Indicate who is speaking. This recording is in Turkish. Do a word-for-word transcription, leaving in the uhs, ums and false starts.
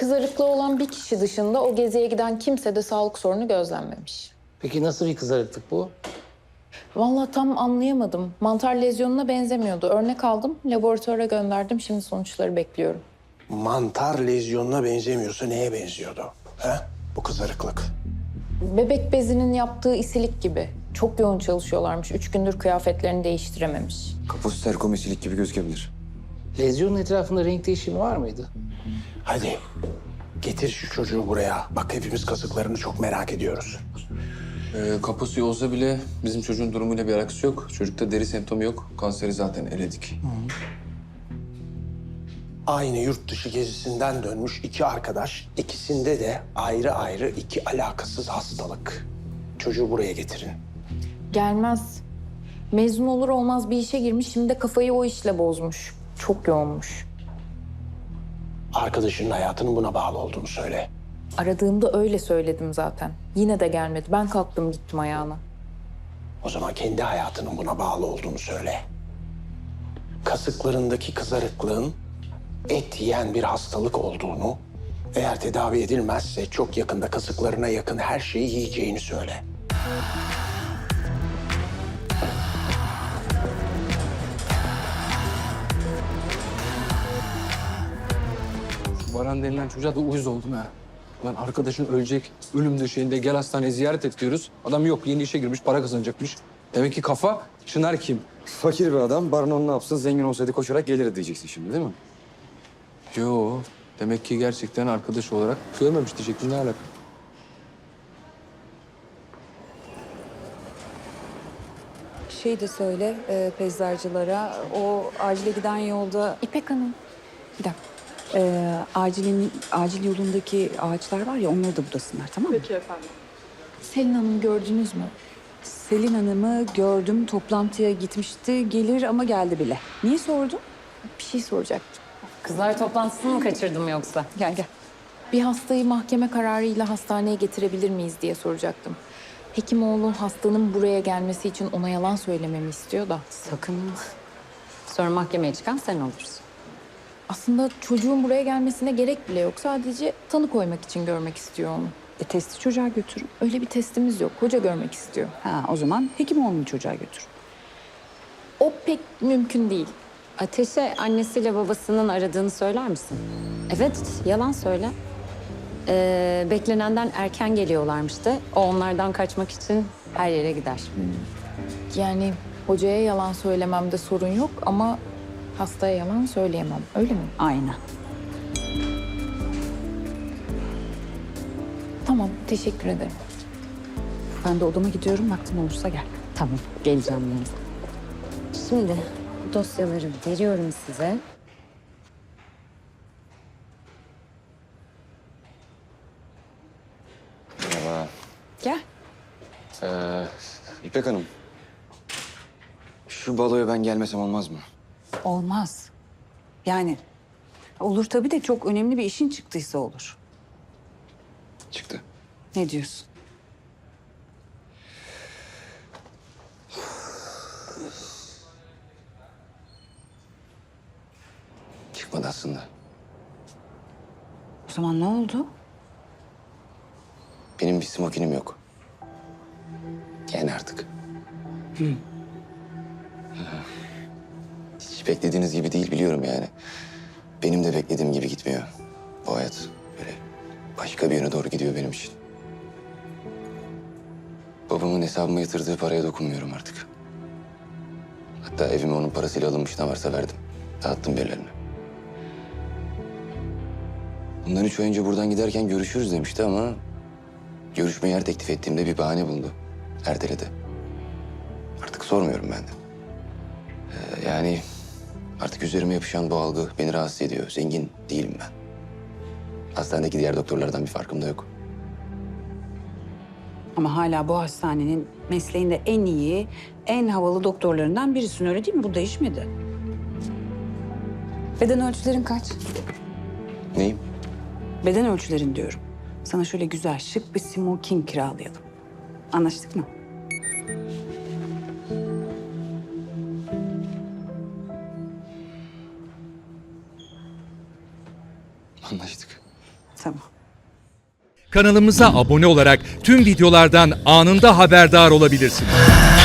Speaker 1: Kızarıklığı olan bir kişi dışında o geziye giden kimse de sağlık sorunu gözlenmemiş.
Speaker 2: Peki nasıl bir kızarıklık bu?
Speaker 1: Vallahi tam anlayamadım. Mantar lezyonuna benzemiyordu. Örnek aldım, laboratuvara gönderdim. Şimdi sonuçları bekliyorum.
Speaker 3: Mantar lezyonuna benzemiyorsa neye benziyordu? He? Bu kızarıklık.
Speaker 1: Bebek bezinin yaptığı isilik gibi. Çok yoğun çalışıyorlarmış. Üç gündür kıyafetlerini değiştirememiş.
Speaker 4: Kapositel komisilik gibi gözükebilir.
Speaker 2: Lezyonun etrafında renk değişimi var mıydı?
Speaker 3: Hadi getir şu çocuğu buraya. Bak hepimiz kasıklarını çok merak ediyoruz.
Speaker 5: Ee, kaposuyu olsa bile bizim çocuğun durumuyla bir alakası yok. Çocukta deri semptomu yok. Kanseri zaten eledik.
Speaker 3: Aynı yurt dışı gezisinden dönmüş iki arkadaş. İkisinde de ayrı ayrı iki alakasız hastalık. Çocuğu buraya getirin.
Speaker 1: Gelmez. Mezun olur olmaz bir işe girmiş. Şimdi de kafayı o işle bozmuş. Çok yoğunmuş.
Speaker 3: Arkadaşının hayatının buna bağlı olduğunu söyle.
Speaker 1: Aradığımda öyle söyledim zaten. Yine de gelmedi. Ben kalktım gittim ayağına.
Speaker 3: O zaman kendi hayatının buna bağlı olduğunu söyle. Kasıklarındaki kızarıklığın et yiyen bir hastalık olduğunu, eğer tedavi edilmezse çok yakında kasıklarına yakın her şeyi yiyeceğini söyle.
Speaker 5: Baran denilen çocuğa da uyuz oldum ha. Lan arkadaşın ölecek, ölüm döşeğinde gel hastaneye ziyaret et diyoruz. Adam yok, yeni işe girmiş, para kazanacakmış. Demek ki kafa, Çınar kim?
Speaker 4: Fakir bir adam, Baran onu ne yapsın? Zengin olsaydı koşarak gelirdi diyeceksin şimdi değil mi?
Speaker 5: Yo, demek ki gerçekten arkadaş olarak görmemiş diyecektim, ne alaka?
Speaker 6: Şey de söyle e, peyzajcılara, o acile giden yolda...
Speaker 1: İpek Hanım.
Speaker 6: Bir dakika. E, acilin, acil yolundaki ağaçlar var ya, onları da budasınlar, tamam mı?
Speaker 1: Selin Hanım gördünüz mü?
Speaker 6: Selin Hanım'ı gördüm, toplantıya gitmişti. Gelir ama geldi bile. Niye sordun?
Speaker 1: Bir şey soracaktım.
Speaker 7: Kızlar toplantısını mı kaçırdım yoksa?
Speaker 6: Gel gel.
Speaker 1: Bir hastayı mahkeme kararıyla hastaneye getirebilir miyiz diye soracaktım. Hekimoğlu hastanın buraya gelmesi için ona yalan söylememi istiyor da.
Speaker 7: Sakın. Sonra mahkemeye çıkan sen olursun.
Speaker 1: Aslında çocuğun buraya gelmesine gerek bile yok. Sadece tanı koymak için görmek istiyor onu.
Speaker 6: E, testi çocuğa götürün.
Speaker 1: Öyle bir testimiz yok. Hoca görmek istiyor.
Speaker 6: Ha, o zaman Hekimoğlu'nu çocuğa götür.
Speaker 1: O pek mümkün değil.
Speaker 7: Ateş'e annesiyle babasının aradığını söyler misin? Evet, yalan söyle. Ee, beklenenden erken geliyorlarmış da. O onlardan kaçmak için her yere gider.
Speaker 1: Yani hocaya yalan söylememde sorun yok ama hastaya yalan söyleyemem. Öyle mi?
Speaker 6: Aynen.
Speaker 1: Tamam, teşekkür ederim.
Speaker 6: Ben de odama gidiyorum, vaktim olursa gel.
Speaker 7: Tamam, geleceğim yanınıza. Şimdi dosyaları veriyorum size.
Speaker 4: Merhaba.
Speaker 6: Gel.
Speaker 4: Ee, İpek Hanım. Şu baloya ben gelmesem olmaz mı?
Speaker 6: Olmaz. Yani olur tabii de çok önemli bir işin çıktıysa olur.
Speaker 4: Çıktı.
Speaker 6: Ne diyorsun?
Speaker 4: Çıkmadı aslında.
Speaker 6: O zaman ne oldu?
Speaker 4: Benim bir smokinim yok. Yani artık. Hı. Hiç beklediğiniz gibi değil biliyorum yani. Benim de beklediğim gibi gitmiyor. Bu hayat böyle başka bir yöne doğru gidiyor benim için. Babamın hesabıma yatırdığı paraya dokunmuyorum artık. Hatta evime onun parasıyla alınmış ne varsa verdim. Dağıttım birilerine. Bundan üç ay önce buradan giderken görüşürüz demişti ama... görüşmeyi her teklif ettiğimde bir bahane buldu. Erteledi. Artık sormuyorum ben de. Ee, yani artık üzerime yapışan bu algı beni rahatsız ediyor. Zengin değilim ben. Hastanedeki diğer doktorlardan bir farkım da yok.
Speaker 6: Ama hala bu hastanenin mesleğinde en iyi, en havalı doktorlarından birisin, öyle değil mi? Bu değişmedi. Beden ölçülerin kaç?
Speaker 4: Neyim?
Speaker 6: Beden ölçülerin diyorum. Sana şöyle güzel, şık bir smoking kiralayalım. Anlaştık mı?
Speaker 4: Anlaştık.
Speaker 6: Tamam.
Speaker 8: Kanalımıza abone olarak tüm videolardan anında haberdar olabilirsiniz.